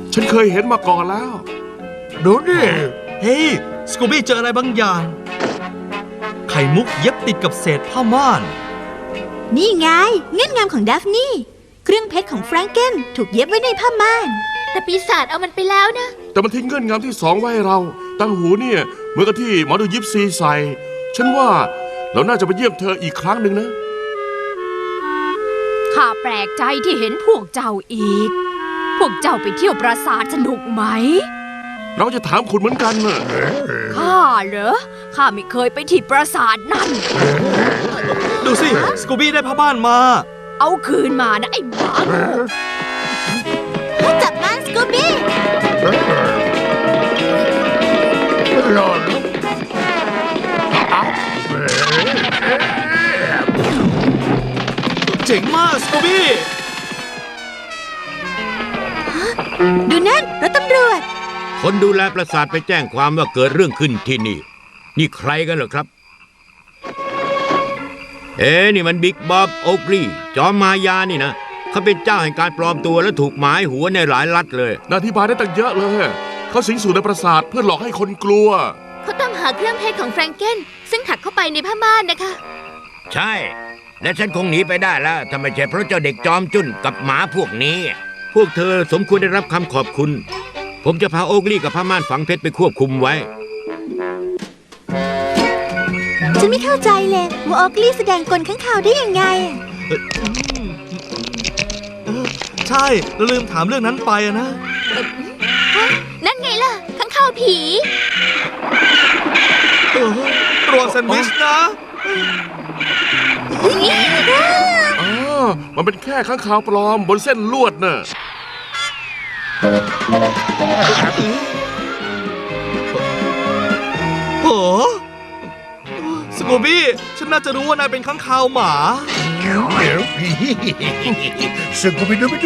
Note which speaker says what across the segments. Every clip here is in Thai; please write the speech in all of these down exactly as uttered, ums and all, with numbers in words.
Speaker 1: ฉันเคยเห็นมาก่อนแล้วดูนี่
Speaker 2: เฮ้ยสกูบี้เจออะไรบางอย่างไข่มุกเย็บติดกับเศษผ้าม่าน
Speaker 3: นี่ไงเงื่อนงำของดัฟนี่เครื่องเพชรของแฟรงเกนถูกเย็บไว้ในผ้าม่าน
Speaker 4: แต่ปีศาจเอามันไปแล้วนะ
Speaker 1: แต่มันทิ้งเงื่อนงำที่สองไว้ให้เราตั้งหูเนี่ยเหมือนกับที่หมอดูยิปซีใส่ฉันว่าเราน่าจะไปเยี่ยมเธออีกครั้งหนึ่งนะ
Speaker 4: ข้าแปลกใจที่เห็นพวกเจ้าอีกพวกเจ้าไปเที่ยวปราสาทสนุกไหม
Speaker 1: เราจะถามคุณเหมือนกันนะ
Speaker 4: ข้าเหรอข้าไม่เคยไปที่ปราสาทนั่น
Speaker 2: ดูสิสกูบี้ได้ผ้าม่านมา
Speaker 4: เอาคืนมานะไอ้หมา
Speaker 3: จับมันสกูบี้
Speaker 2: เจ๋งมากสกูบี้
Speaker 3: ดูนั่นรถตำรวจ
Speaker 5: คนดูแลปราสาทไปแจ้งความว่าเกิดเรื่องขึ้นที่นี่นี่ใครกันเหรอครับเอ๊นี่มันบิ๊กบ๊อบโอ๊กลีจอมมายานี่นะเขาเป็นเจ้าแห่งการปลอมตัวและถูกหมายหัวในหลายรัฐเลย
Speaker 1: อธิบายได้ตั้งเยอะเลยเขาสิงสู่ในปราสาทเพื่อหลอกให้คนกลัว
Speaker 4: เขาต้องหาเครื่องเพชรของแฟรงเกนซึ่งถักเข้าไปในผ้าม่านนะคะ
Speaker 5: ใช่และฉันคงหนีไปได้แล้วถ้าไม่ใช่เพราะเจ้าเด็กจอมจุ้นกับหมาพวกนี้พวกเธอสมควรได้รับคำขอบคุณผมจะพาโอ๊กลี่กับผ้าม่านฝังเพชรไปควบคุมไว้
Speaker 3: ฉันไม่เข้าใจเลยว่าโอ๊กลี่แสดงกลข้างข่าวได้ยังไง
Speaker 2: ใช่เราลืมถามเรื่องนั้นไปนะ
Speaker 4: นั่นไงล่ะข้างข่าวผี
Speaker 2: รวมแซนด์วิชนะ
Speaker 1: อ๋อมันเป็นแค่ข้างข่าวปลอมบนเส้นลวดน่ะ
Speaker 2: โอ้สกูบี้ฉันน่าจะรู้ว่านายเป็นข้างคาวหมา
Speaker 6: สกูบี้ดูไปดู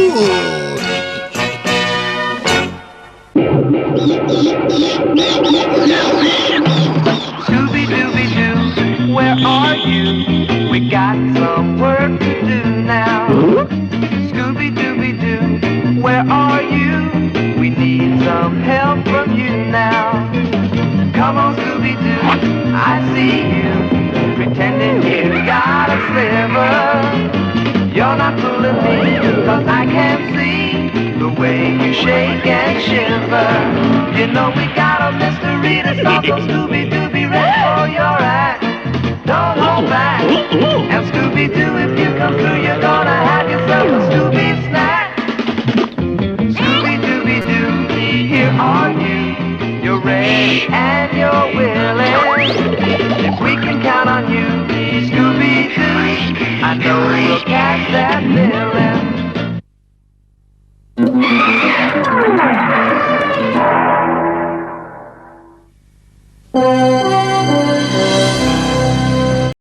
Speaker 7: Scooby Dooby Doo, where are you? We got some work to do now. Scooby Dooby Doo, where are you? We need some help from you now. Come on, Scooby Doo, I see you pretending you got a sliver. You're not fooling me, 'cause I can see the way you shake and shiver. You know we got a mystery to solve, so Scooby Doo, be ready for your act. Don't hold back. And Scooby Doo, if you come through, you're gonna have yourself a Scooby snack. Scooby Dooby Doo, here are you. You're ready and you're willing. If we can count on you, Scooby Doo, I know we'll catch that villain.